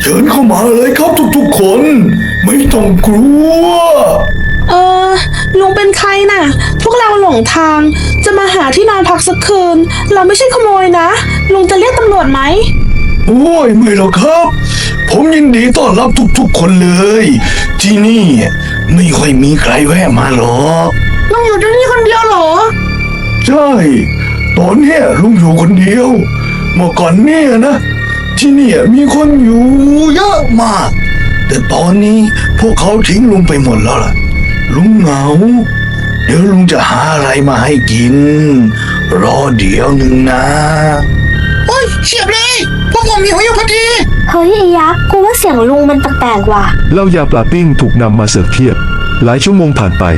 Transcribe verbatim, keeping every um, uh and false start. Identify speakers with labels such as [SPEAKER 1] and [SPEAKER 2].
[SPEAKER 1] ชิญเข้ามาเลยครับทุกๆคน ไม่ต้องกลัว
[SPEAKER 2] เออลุงเป็นใครน่ะ พวกเราหลงทางจะมาหาที่นอนพักสักคืน เราไม่ใช่ขโมยนะลุงจะเรียกตำรวจไหม
[SPEAKER 1] โอ้ยไม่หรอกครับ ผมยินดีต้อนรับทุกๆคนเลย ที่นี่ไม่ค่อยมีใครแวะมาหรอก
[SPEAKER 2] ลุงอยู่ที่นี่คนเดียวเหรอ
[SPEAKER 1] ใช่ ตอนเนี้ยลุงอยู่คนเดียว เมื่อก่อนเนี่ยนะ ที่เนี่ยมีคนอยู่เยอะมาก แต่ตอนนี้พวกเขาทิ้งลุงไปหมดแล้วล่ะ ลุงเหงา เดี๋ยวลุงจะหาอะไรมาให้กิน รอเดี๋ยวหนึ่งนะ
[SPEAKER 3] โอ้ยเฉียบเลยพวกผมหิวอยู่พอดี
[SPEAKER 4] เฮ้ยไอ้ยักษ์กูว่าเสียงลุงมันแปลกๆว่ะ
[SPEAKER 5] เหล้ายาปลาปิ้งถูกนำมาเสิร์ฟเทียบ หลายชั่วโมงผ่านไป